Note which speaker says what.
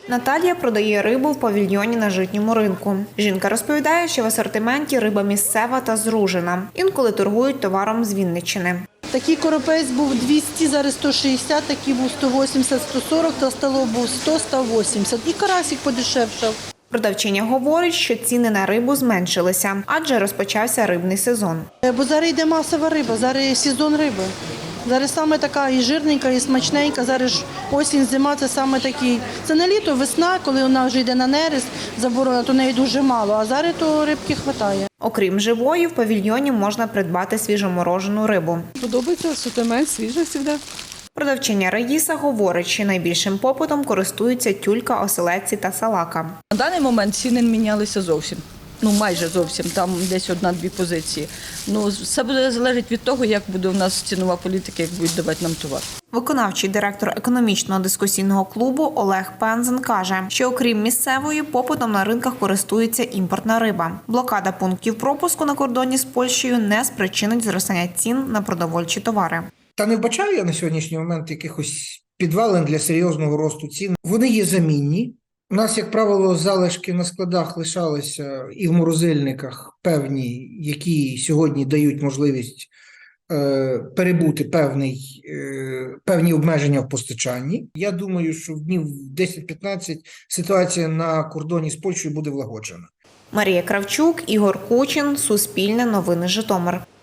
Speaker 1: Наталія продає рибу в павільйоні на Житньому ринку. Жінка розповідає, що в асортименті риба місцева та зружена. Інколи торгують товаром з Вінниччини.
Speaker 2: Такий коропець був 200, зараз 160, такий був 180, 140, та столов був 100, 180. І карасик подешевшав.
Speaker 1: Продавчиня говорить, що ціни на рибу зменшилися, адже розпочався рибний сезон.
Speaker 2: Бо зараз йде масова риба, зараз сезон риби. Зараз саме така і жирненька, і смачненька. Зараз ж осінь, зима – це саме такий. Це не літо, весна, коли вона вже йде на нерест, заборона, то неї дуже мало, а зараз то рибки вистачає.
Speaker 1: Окрім живої, в павільйоні можна придбати свіжоморожену рибу.
Speaker 3: Подобається асортимент, свіжий завжди.
Speaker 1: Продавчиня Раїса говорить, що найбільшим попитом користуються тюлька, оселедці та салака.
Speaker 4: На даний момент ціни не мінялися зовсім. Майже зовсім, там десь одна-дві позиції. Все буде залежати від того, як буде у нас цінова політика, як будуть давати нам товар.
Speaker 1: Виконавчий директор економічного дискусійного клубу Олег Пензен каже, що окрім місцевої, попитом на ринках користується імпортна риба. Блокада пунктів пропуску на кордоні з Польщею не спричинить зростання цін на продовольчі товари.
Speaker 5: Та не вбачаю я на сьогоднішній момент якихось підвалин для серйозного росту цін. Вони є замінні. У нас, як правило, залишки на складах лишалися і в морозильниках певні, які сьогодні дають можливість перебути певні обмеження в постачанні. Я думаю, що в днів 10-15 ситуація на кордоні з Польщею буде влагоджена.
Speaker 1: Марія Кравчук, Ігор Кучин, Суспільне новини Житомир.